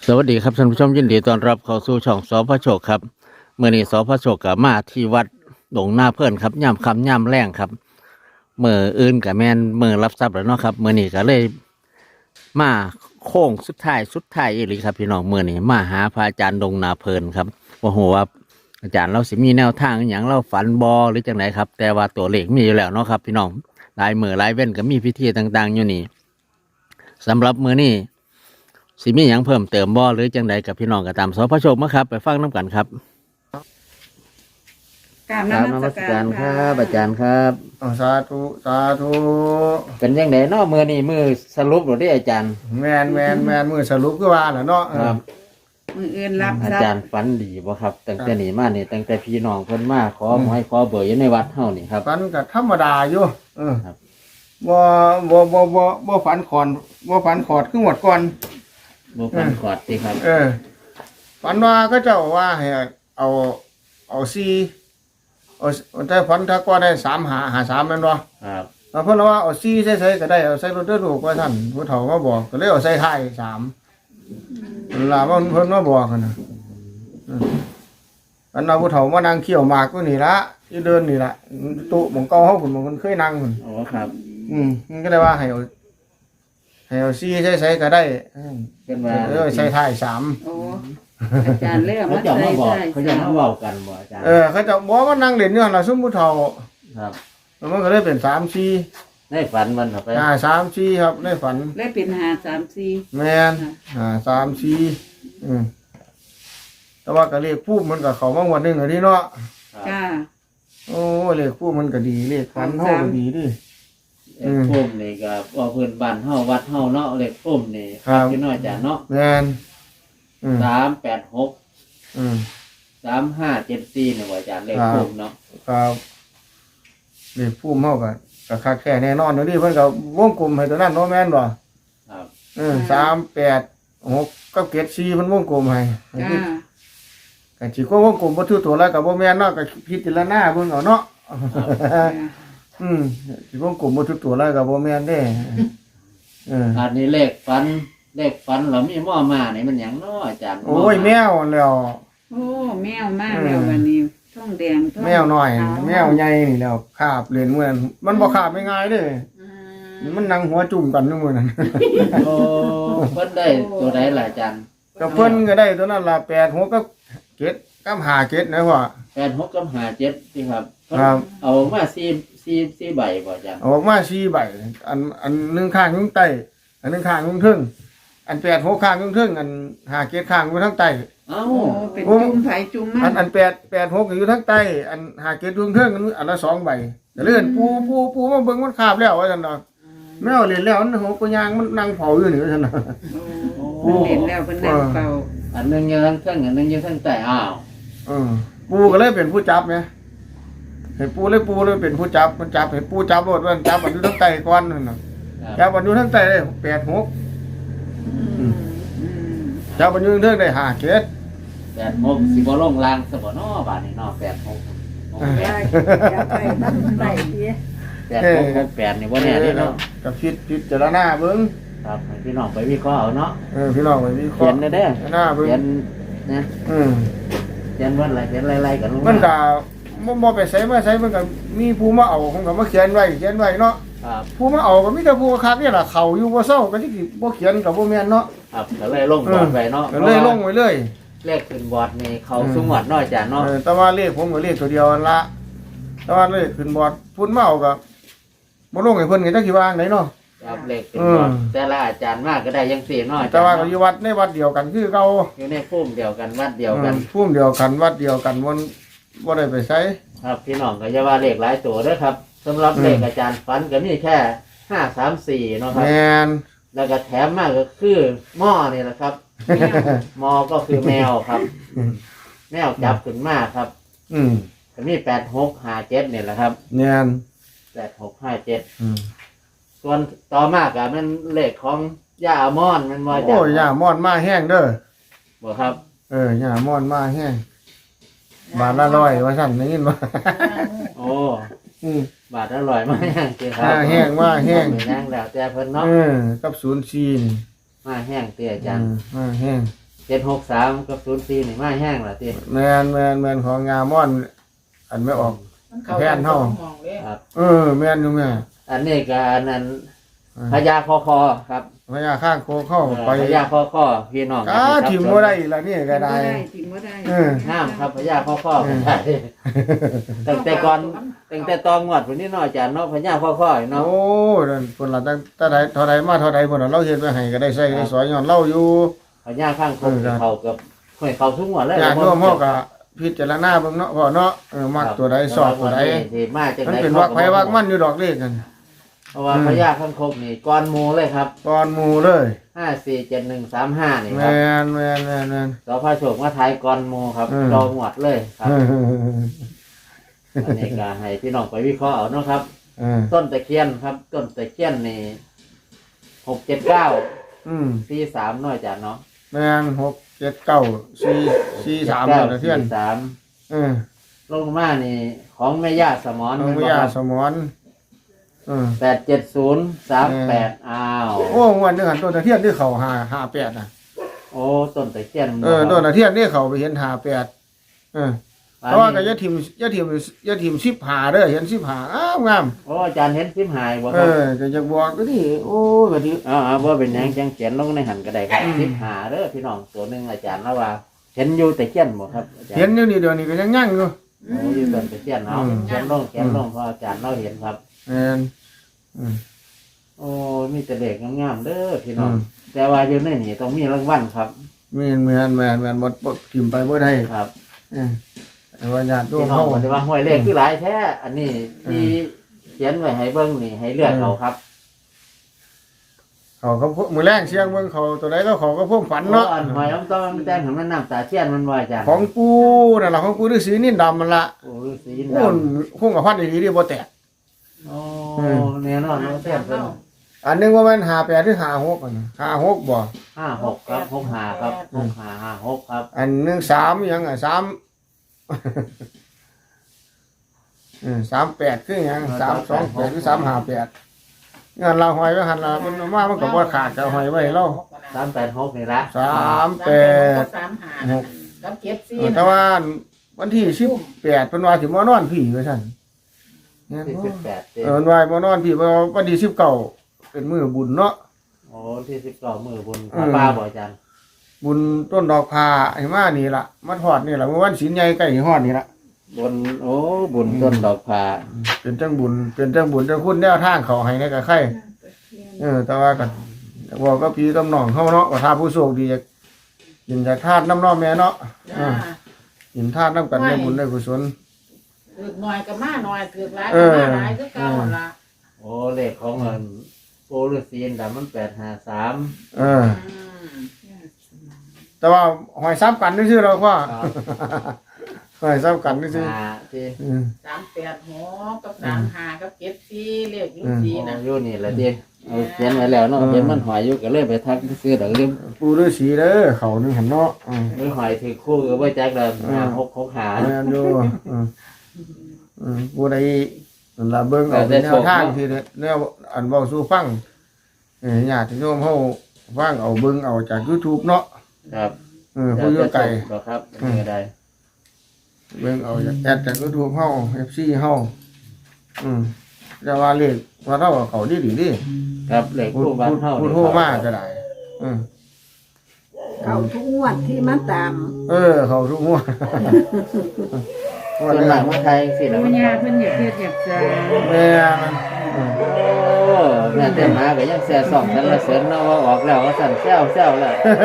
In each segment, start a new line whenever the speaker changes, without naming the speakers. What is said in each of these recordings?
สวัสดีครับท่านผู้ชมยินดีต้อนรับเข้าสู่ช่องสพโชคครับเมื่อนี้สพโชคกับมาที่วัดหลงหน้าเพื่อนครับย่ำคำย่ำแรงครับเมื่ออื่นกับแมนเมื่อรับทรัพย์แล้วเนาะครับเมื่อนี้ก็เลยมาโค้งสุดท้ายอีหลีครับพี่น้องเมื่อนี้มาหาพระอาจารย์ดงนาเพลินครับว่าหัวาอาจารย์เราสิมีแนวทางอหย่างเราฝันบอหรือจังไหนครับแต่ว่าตัวเลขมีอยู่แล้วเนาะครับพี่น้องลายมือลายเว้นก็มีพิธีต่างๆอยู่นี่สำหรับมื้อนี้สิมีหยังเพิ่มเติมบ่หรือจังใดกับพี่น้องก็ตามสพโชคมาครับไปฟังน้ำกันครับ
กราบ
กราบนมัสการครับอาจารย์ครับ
สาธุสาธุ
เป็นยังไงเนาะมือนี่มือสรุปหรือได้อาจารย์
แมนมือสรุปคือว่าน่ะเนาะ
ครับ
มืออื่นรับ
อา
ทรัพ
จาร
ย์
ย์ฝันดีบ่ครับตั้งแต่นี้มานี่ตั้งแต่พี่น้องเพิ่นมาขอหวยขอเบอร์อยู่ในวัดเฮานี่ครับ
ฝันก็ธรรมดาอยู่
ครับ
บ่ฝันขอนบ่ฝันขอดคือหมดก่อน
บ่ฝันขอดติครับ
ฝันว่าก็เจ้าว่าให้เอาซีเอาแต่ฝันถ้าก็ได้3 5 5 3แม่นบ่
ครับ
เพิ่นว่าเอาซีใส่ๆก็ได้เอาใส่รถเด้อลูกว่าท่านผู้เฒ่ามาบอกก็เลยเอาใส่ท้าย3ล่ะมันเพิ่นมาบอกกันน่ะอันเอาผู้เฒ่ามานั่งเคี่ยวหมากอยู่นี่ละอยู่เดินนี่ละตู้หม่องเก่าเฮาพุ่นหม่องมันเคยนั่งพุ่น
อ๋อครับ
มันก็ได้ว่าให้เอาซีใส่ๆก็ได้
เป็นว่า
ใส่ท้าย
โอ้อาจารย์เลือก
เขา
มา
จะ
ใส่
มาบอก
ใส่
เขาจะมาเว้ากันบ่อาจารย์
เขาจะบอกว่านั่งเล่นอยู่หั่นล่ะซุมผู้เฒ่า
ครับ
มันก็เลยเป็น3 4
ในฝันมันเข้าไป
3 4ครับในฝัน
เลยเป็น5 3 4
แม่น3 4แต่ว่าก็เลขผู้มันก็เข้ามางวดหนึงอันนี้เนาะ
ครับ
จ้า
โอ้เลขผู้มันก็ดีเลขฝันเฮาก็ดีดิ
เลขพุ่มนี่ก็ว่าเพิ่นบ้านเฮาวัดเฮาเนาะเลขพุ่มนี่
ครับ
พี่น้อยอาจารย์เนาะ
แม่น
386
อืม
3574นี่บ่อาจารย์เลขพุ่มเนาะ
ครับเลขผู้เฮาก็คักแท้แน่นอนเดี๋ยวนี้เพิ่นก็วงกลมให้ตัวนั้นเนาะแม่นบ่
ครับ
3 8 6กับ7 4เพิ่นวงกลมให้
จ้า
ก็สิก็วงกลมบ่ถูกตัวแล้วก็บ่แม่นเนาะก็พิจารณาเบิ่งเอาเนาะ สิวงกลมบ่ถูกตัวแล้วก็บ่แม่นเด้
อันนี้เลขฝันแล้วมีหม้อมานี่มันหยังเนาะอาจารย์
โอ้ยแมวแล้ว
โอ้แมวมากแล้ววันนี้ท้องแดงท้อง
แมวน้อย
ขาว
แมวใหญ่นี่แล้วคาบเล่นมื้อนั้นมันบ่คาบง่ายๆเด้
อืม
มันนั่งหัวจุ่มกันอยู่มื้อนั้น
โอ้เพิ่นได้ตัวใดล่ะอาจารย์
ก็เพิ่นก็ได้ตัวนั้นล่ะ8 6กับ7กับ5 7นะพ่อ
86กับ57ที่ครับเพิ่น
ครับ
เอามา4ใบบ่อาจารย์
ออกมา4ใบอันหนึงข้างอยู่ใต้อันหนึงข้างอยู่ทึ่งอัน8 6ข้างอยู่ทึ่งอัน5 7ข้างอยู่ทางใต้
เอ้า
โอ้เป็นจุ่มไผจุ่มมั
อัน8 6อยู่ทางใต้อัน5 7อยู่ทึ่งอันละ2ใบก็เลยปูมาเบิ่งมันคาบแล้วว่าซั่นเนาะแมวเล่นแล้วมันโหกยางมันนั่งเผาอยู่นี่ว่าซั่นน่ะ
โอ้เพิ่นเล่นแล้วเพิ่นนั่งเป่า
อันหนึงอยู่ทางเทิงอันหนึงอยู่ทางใต้อ้าว
ปูก็เลยเป็นผู้จับไงเห็นปูเลยเป็นผู้จับมันจับเห็นปูจับรถมันจับมันอยู่ทั้งไตก้อนนั่นน่ะ
ครับ
จับมันอยู่ทั้งไตได้8 6
อืม
จับมันอยู่ทั้งได้5 7
86สิบ่ลงล่างซะบ่เนาะบาดนี้เนาะ86
ได้อย่าไปนั่งใส่เด้
8668นี่บ่แน่เด้เนาะ
กับพิจารณาเบิ่ง
ครับให้พี่น้องไปวิเคราะห์เอาเนาะ
พี่น้องไปวิเค
เขี
ราะ
ยน
ห์
ได้เด้อ
หน้าเบิ่ง
เขียนนะ
อืม
เขียนวันอะไรเขียนไล่ๆกันลง
มันก็บ่ไปใส่มาใส่มันก็มีผู้มาเอาผมก็มาเขียนไว้เนาะ
ครับ
ผู้มาเอาก็มีแต่ผู้คักนี่ล่ะเขาอยู่บ่เซาก็สิบ่เขียนก็บ่แม่นเนาะ
ครับก็เลยลงบอร์ดไปเนาะ
ก็เลยลงไว้เลย
เลขขึ้นบอร์ดนี่เขาสูงหวัดน้อยจ้ะเนาะ
แต่ว่าเลขผมก็เลขตัวเดียวนั่นละแต่ว่าเลขขึ้นบอร์ดพุ่นมาเอากับบ่ลงให้เพิ่นก็จักสิว่าจั่งไหนเนาะ
ครับเลขขึ้นบอร์ดแต่ละอาจารย์มากก็ได้ยังสี่น้อย
แต่ว่าก็อยู่วัดในวัดเดียวกันคือเก่า
อยู่ในภูมิเดียวกันวัดเดียวกัน
ภูมิเดียวกันวัดเดียวกันบ่ได้ไปไส
ครับพี่น้องก็จะว่าเลขหลายตัวเด้อครับสำหรับเลขอาจารย์ฝันก็มีแค่534เนาะครับ
แม่น
แล้วก็แถมมากก็คือหม้อนี่แหละครับหม้อก็คือแมวครับ แมวจับขึ้นมาครับ
อืม
ก็มี8657เนี่ยแหละครับ
แม่น
8657
อืม
ส่วนต่อมากอะมันเลขของย่าอามอนมันมาจาก
โอ้ยย่ามอนมาแห้งเด้อ
บ่ครับ
ย่ามอนมาแห้งบาทละ100ว่าซั่นได้ยินบ่
โอ้
อืม
บาทอร่อยมากจริงครั
มาแห้งมาแห้ง
บ่มีแห้งแล้วแต่เพิ่นเนาะ
กับ04นี่
มาแห้งเตี้ยอาจารย์
มาแห้ง
763กับ04นี่มาแห้งล่ะติ
แมนของงาม่อน อันไม่ออก แพนเฮา
ครับ
แมนอยู่แม่
อันนี้ก็อันนั้นพญาคอครับ
พญาข้างโคเข้าไป
พญาคอพี่น้อง
ถิ่มบ่ได้อีกแล้วนี่ก็ได้
ถิ่มบ่ได้
ห้ามครับพญาคอก็ได้ตั้งแต่ก่อนตั้งแต่ตอนงวดพุ่นนี่เนาะอาจารย์เนาะพญาคอเนาะ
โอ้นั่นคนละตั้งแต่ใดเท่าใดมาเท่าใดพุ่นน่ะเราเฮ็ดไว้ให้ก็ได้ใช้ได้สอยย้อนเราอยู่
พญาข้างคงเขากับห้วยเขาทุกงวดเลย
ญาติโยมเฮาก็พิจารณาเบิ่งเนาะพ่อเนาะมักตัวใดสอบตัวใด
ที่มาจาก
มัน
ไหน
เป็นวักไผวักมันอยู่ดอกเลขกัน
เพราะว่าพญาข้างคกนี่ก้อนหมูเลยครับ
ตอนหมู่เลย
547135นี่
แม
ครับ
น
สพโชคมาทายก้อนหมูครับจองหวดเลยครับอันนี้ก็ให้พี่น้องไปวิเคราะห์เอาเนาะครับ ต้นตะเคียนครับ ต้นตะเคียนนี่679 43น้อยจ้ะเนาะ
แมน6794443แล้วเที่ยน
ลงมานี่ของแม่ย่าสมอน
น้องวิยาสมอน
87038อ้าว
โอ้งวดนึงหันต้นตะเทียนที่เขา58น่ะ
โอ้ต้นตะเคียน
ต้นตะเทียนที่เขาไปเห็น58เพราะว่าก็อย่าทิ่ม15เด้อเห็น15อ้าวงาม
โอ้อาจารย์เห็นซิมหายบ่ครับ
ก็อยากบอกก็นี่โอ้ก็ดี
บ่เป็นหยังจังเขียนลงในหันก็ได้ครับซิมหาเด้อพี่น้องตัวหนึงอาจารย์แล้วว่าเห็นอยู่ตะเคียนบ่ครับอาจารย์
เห็นอยู่นี่เดี๋ยวนี้ก็ยังยั่งอยู่
โอ้อยู่ต้นตะเคียนเนาะเขียนลงเพราะอาจารย์เราเห็นครับ
แม่น
โอ้มีแต่เด็กงามๆเด้อพี่น้องแต่ว่าอยู่ในนี่ต้องมีรางวัลครับ
แม่นบ่ทิ่มไปบ่ได้
ครับ
แต่ว่าญาติโย
พี่
ม
น้อง
เฮา
บอกว่าห้วยเลขคือหลายแท้อันนี้ที่เขียนไว้ให้เบิ่งนี่ให้เลือกเขาครับ
เขาก็มื้อแรงเสียงเบิ่งเขาตัวใดแล้วเขาก็พ่วงฝันเนาะ
อันหอยน้ำต้มแต่งให้มันน้ำตาเทียนมันว่าจ้ะ
ของปูนั่นล่ะของปูฤาษีนินดำมันล่ะ
โอ้ฤาษีด
โอ้คงกับพันดีๆดิบ่แตก
ำโอ้แน่นอนเนาะเทียนเป็น
อันนึงว่ามัน58หรือ56อัน56บ่
56ครับ65ครับ6556ครับ
อันนึง3หยังอ่ะ3 38คือหยัง328หรือ358งานเราหอยไว้หั่นล่ะมันมามันก็บ่ขาดก็หอยไว้เรา
386นี่ละ
38
กับเก็บซี
แต่ว่าวันที่18เพิ่นว่าสิมานอนพี่ว่าซั่นแม่นบ่
18เด้
วันวายมานอนพี่ว่าวันที่19เป็นมื้อบุญเนาะ
โอ้ที่19มื้อบุญพระป่าบ่อาจารย์
บุญต้นดอกพาไอ้มานี่ล่ะมาทอดนี่ล่ะเมื่อวันศีลใหญ่ใกล้ฮอดนี่ล่ะ
บุญโอ้บุญต้นดอกผา
เป็นจังบุญจังคุณแนวทางเขาให้ในกับใครแต่ว่าก็บอกก็พี่กับน้องเฮาเนาะว่าถ้าผู้โชคดีกินจากทาสน้ำน้อแม่เนาะกินทาสน้ำกันได้บุญได้กุศล
ถือหน่อยก็มาหน่อยถือหลายก็มาหลายคือเก่าละ
โอ้เลขของเงินโปรฤาษีดำมัน853
แต่ว่าหอยซ้ำกันนี่ชื่อเราว่าหอยซ้ำกันนี่ชื่อ
ที่
386กับ35กับเก็บซีเลขอยู่ซีน่ะ
อยู่นี่แหละดิเอาเขียนไว้แล้วเนาะเขียนมันหอยอยู่ก็เลยไปทักซื้อดอกลืม
ปูฤาษีเด้อเขานึงหันเนาะ
มือหอยถือคู่ก็บ่จักแล้ว6 หา
แม่นอยู่ผู้ใดนั่นล่ะเบิ่งเอาเป็นแนวทางที่แนวอันเว้าสู่ฟังญาติโยมเฮาฟังเอาเบิ่งเอาจาก YouTube เนาะ
ครับ
ผู้อยู่ไกล
ครับนี่ได้
เบิ่งเอาจากแอดจาก YouTube เฮา FC เฮาแต่ว่าเลขว่าเราเขาดีดิ
ครับเลขคู่บ้านเฮา
พูดโทรมาก็ได้
เขาทุกงวดที่มันตาม
เขาทุกงวด
ส่วนหลังมาไทยสิแล้ว
ปัญญาเพิ่นอยากเฮ็ดอยากจะ
แม่มัน
โอ้แม่เต้นมาก็ยังแซ่ซ่องกันละเสริญเนาะว่าออกแล้วว่าสั่นแซวแล้ว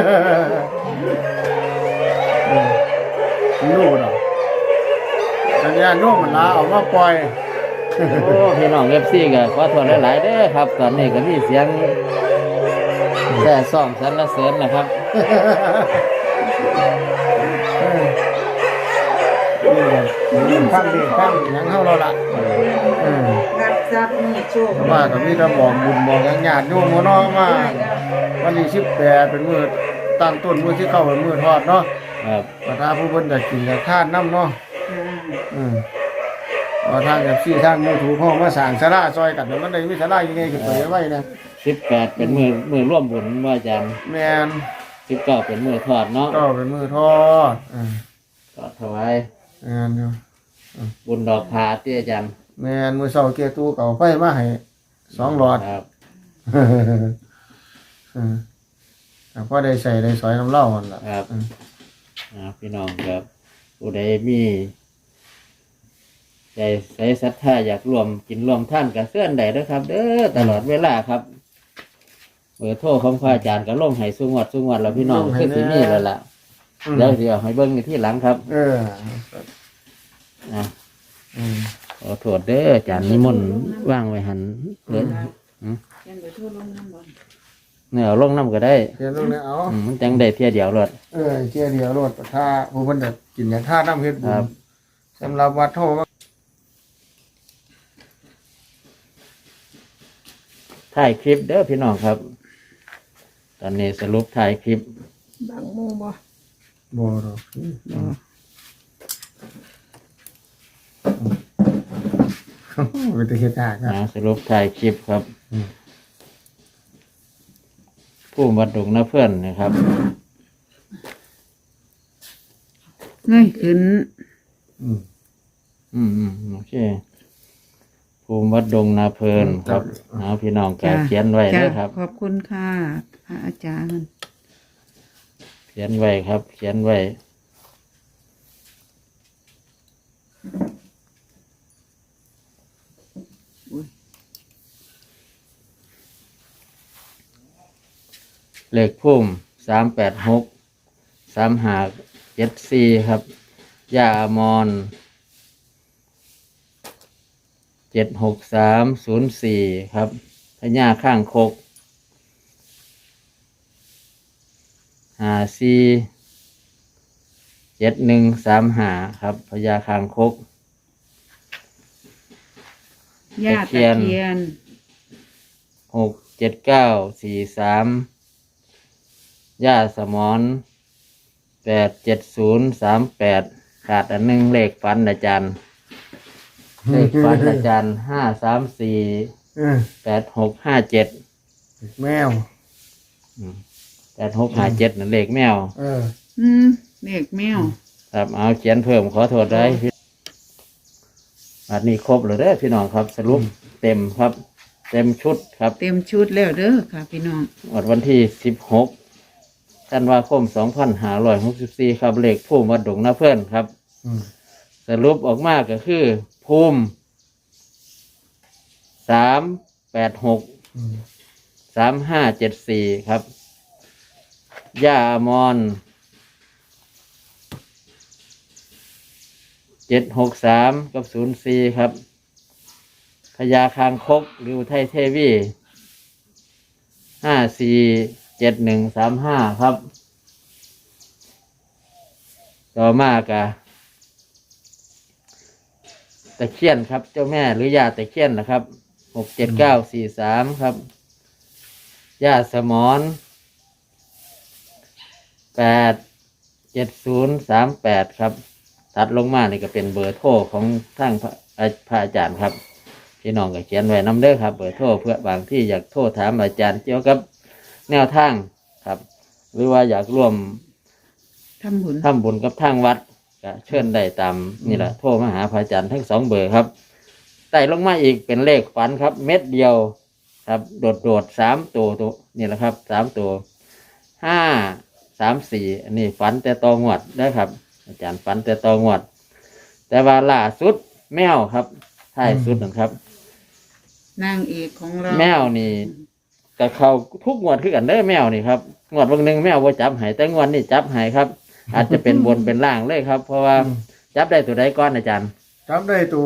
รู้ดอกแต่ญาติโยมมันลาเอามาปล่อย
โอ้พี่น้อง FC ก็ขอโทษหลายๆเด้อครับ ตอนนี้ก็มีเสียงแซ่ซ่องสรรเสริญนะครับ
ฟังดีฟังหยังเฮาเราละ
รับทรัพย์มีโชค
ว่าก็มีแต่บอกบุญบอกหยังญาติโยมเนาะมาวันที่18เป็นมื้อตั้งต้นมื้อที่เข้าเป็นมื้อทอดเนาะ
ครับ
ว่าถ้าผู้เพิ่นได้กินได้ทานน้ำเนาะว่าทางFCทาง YouTube เฮามาสร้างศาลาซอยกันมันได้มีศาลายังไงขึ้นไปไว้นะ
18เป็นมือร่วมบุญว่าอาจารย์
แม่น
19เป็นมือทอดเนาะ
ก็เป็นมือทอด
ทอดถวาย
แม่นอยู่
บุญดอกพาที่อาจารย์
แม่นมือเช้าเกียร์ตู้เก่าไฟมาให้2หลอด
ครับ
พอได้ใส่ได้สอยน้ำเหล้ามันล่ะ
ครับพี่น้องครับผู้ใดมีใจใส่ศรัทธาอยากรวมกินรวมท่านกับเสื่อนใดด้วยครับ เด้อตลอดเวลาครับเบอร์โทรของพระอาจารย์ก็ลงให้สุงวดแล้วพี่น้องคือสิมีแล้วล่ะเดี๋ยวให้เบิ่งในที่หลังครับนะ ขอโทษเด้ออาจารย์นิมนต์ว่างไว้หันเลย
เขียนไปทั่วลงน้ำบ่
เนี่ยเอาลงน้ำก็ได้
เทียนตรงนี้เอา
มันจังได้เที่ยเดียวรถ
เทียนเดียวรถถ้าผู้คนจะกินอย่างท่าน้ำเฮ็ดบุ
ครั
ญ
บ
สำหรับวัดโท
ถ่ายคลิปเด้อพี่น้องครับ ตอนนี้สรุปถ่ายคลิป
บางหมู่บ่
บ่หรอกเป็นตะเฮ็ดยากครับ
สรุปถ่ายคลิปครับ ผู้วัดดงนะเพื่อนนะครับ
เงยขึ้น
โอเคภูมิวัดดงนาเพลินครับพี่น้องก็เขียนไว้ด้วยครับ
ขอบคุณค่ะพระอาจารย์
เขียนไว้ครับ เขียนไว้เลขพุ่ม386 3574ครับย่าอมร76304ครับพญาข้างคก547135ครับพญาข้างคก
ย่าตะเคียน
67943ย่าสมอน87038ขาดอันหนึงเลขฝันอาจารย์เลขฝันอาจารย์5348657
แมว
8657นั่นเลขแมว
เด็กแมว
ครับเอาเขียนเพิ่มขอโทษได้อันนี้ครบเลยเด้อพี่น้องครับ สรุปเต็มครับ เต็มชุดครับ
เต็มชุดแล้วเด้อค่ะพี่น้อง
วันที่16ธันวาคม2564ครับเลขภูมิวัดดงนาเพื่อนครับ สรุปออกมาก็คือภูมิ3863574ครับย่าอมร763กับ04ครับพญาคางคกหรืออุทัยเทวี547135ครับต่อมากะตะเคียนครับเจ้าแม่หรือย่าตะเคียนนะครับ67943ครับย่าสมอน87038ครับตัดลงมานี่ก็เป็นเบอร์โทรของทางพระอาจารย์ครับพี่น้องก็เขียนไว้นำเด้อครับเบอร์โทรเพื่อบางที่อยากโทรถามอาจารย์เกี่ยวกับแนวทางครับ หรือว่าอยากร่วม
ทำบุญ
ทำบุญกับทางวัดก็เชิญได้ตามนี่แหละโทรมาหาพระอาจารย์ทั้ง2เบอร์ครับไต่ลงมาอีกเป็นเลขฝันครับ เม็ดเดียวครับโดด3ตัวนี่แหละครับ3ตัว534อันนี้ฝันแต่ตองวดได้ครับ อาจารย์ฝันแต่ตองวด แต่ว่าล่าสุดแมวครับท้ายสุดนะครับ
นางเอกของเรา
แมวนี่กับเขาทุกงวดคือกันเด้อแมวนี่ครับงวดบางหนึ่งแมวว่าจับใหายแต่งวดนี่จับใหายครับ อาจจะเป็นบนเป็นล่างเลยครับ เพราะว่าจับได้ตัวใดก้อนอาจารย์
จับได้ตัว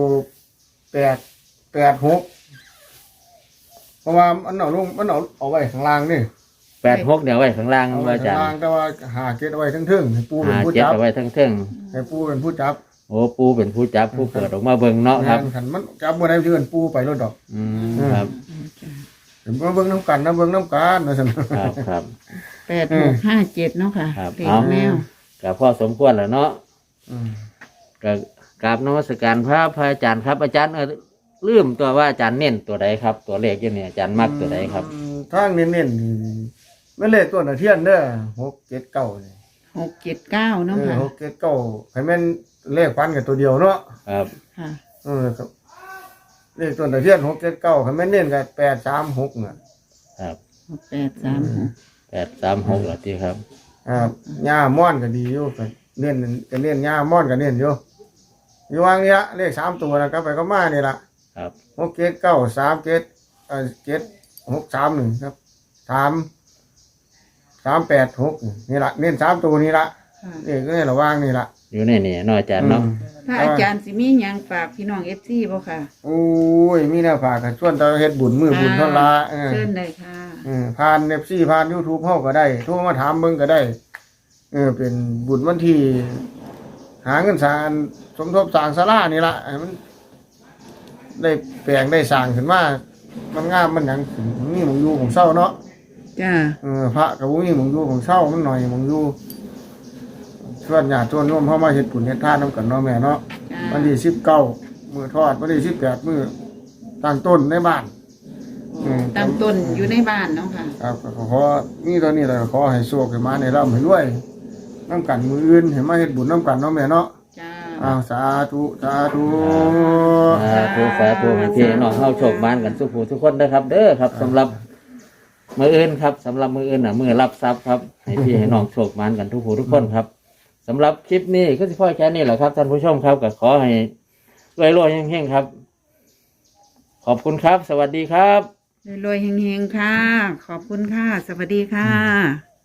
886เพราะว่ามันเอาไว้ข้างล่างนี่
86เดี๋ยวไว้ข้างล่าง
เอา
ว่า
ไว้
อาจา
ข้าง
ร
ล่าง
ย์
แต่ว่าหาเก็บเอาไว้ทั้งทึ่งให้ปูเป็นผู้
7
จับ
เอาไว้ทั้งเทิง
ให้ปูเป็นผู้จับ
โอ้ปูเป็นผู้จับผู้เปิดออกมาเบิ่งเนาะครับ
งานขันมันจับบ่ได้เพื่อนปูไปรถดอก
ครับ
เห็นว่าเบิ่งน้ำกันนะเบิ่งน้ำกันว่าซั่น
ครับ
8657เนาะค่ะ
ครับ
เด็ก
เอา
แมว
ก็พอสมควรแล้วเนาะ
อืม
ก็กราบนมัสการพระอาจารย์ครับอาจารย์ลืมตัวว่าอาจารย์เน้นตัวใดครับ ตัวเลขอยู่เนี่ยอาจารย์มักตัวใดครับ
ทางเน้นๆนี่ไม่เลขต้นตะเทียนเด้อ679นี่
679เนาะค่ะ
679ให้แม่นเลขฟันกับตัวเดียวเนาะ
ครับ
ค่ะ
ครับเลขต้นตะเทียน679ให้แม่นเน้นกับ836น่ะ
ครับ
836
836เหรอที่ครับ
ครับหญ้าม่อนก็ดีอยู่ก็เน้นหญ้าม่อนก็เน้นอยู่อยู่วางเนี้ยเลข3ตัวนะก็ไปก็มานี่ล่ะ
ครับ
6793763ครับ386นี่ล่ะเน้น3ตัวนี่ล่ะ
ค่ะ
นี่ก็ให้ระวังนี่ล่ะ
อยู่ในนี่เนาะอาจารย์เนาะ
พระอาจารย์สิมีหยังฝากพี่น้อง FC บ่ค่ะ
โอ้ยมีแนวฝากกันชวนตาเฮ็ดบุญมือบุญเท่าละ
เชิญเลยค่ะ
ผ่าน FC ผ่าน YouTube เฮาก็ได้โทรมาถามเบิ่งก็ได้เป็นบุญวันที่หาเงินสร้างสมทบสร้างศาลานี่ล่ะให้มันได้แปลงได้สร้างขึ้นมามันงามมันหยังมีหมองอยู่ของเศร้าเนาะ
จ้า
พระก็บ่มีหมองอยู่ของเศร้ามันหน่อยหมองอยู่ชวนญาติชวนโยมเฮามาเฮ็ดบุญเฮ็ดทานนำกันเนาะแม่เนาะ
จ้า
วันที่19มื้อทอดวันที่18มื้อตั้งต้นในบ้าน
ตามต้นอยู่ในบ้านเนาะค่ะ
ครับก็ขอมีตอนนี้แหละขอให้โชคให้มาในร่ำให้รวยน้ำกันมืออื่นให้มาเฮ็ดบุญน้ำกันเนาะแม่เนาะ
จ้า
อ้าวสาธุสาธุ
สาธุให้พี่น้องเฮาโชคบ้านกันสุขผู้ทุกคนนะครับ เด้อครับสำหรับมืออื่นครับสำหรับมืออื่นน่ะมือรับทรัพย์ครับให้พี่ให้น้องโชคบ้านกันทุกผู้ทุกคนครับสำหรับคลิปนี้ก็สิพ่อแค่นี้แหละครับท่านผู้ชมครับก็ขอให้รวยๆเฮงๆครับ ขอบคุณครับ สวัสดีครับ
รวยๆเฮงๆค่ะ ขอบคุณค่ะ สวัสดีค่ะ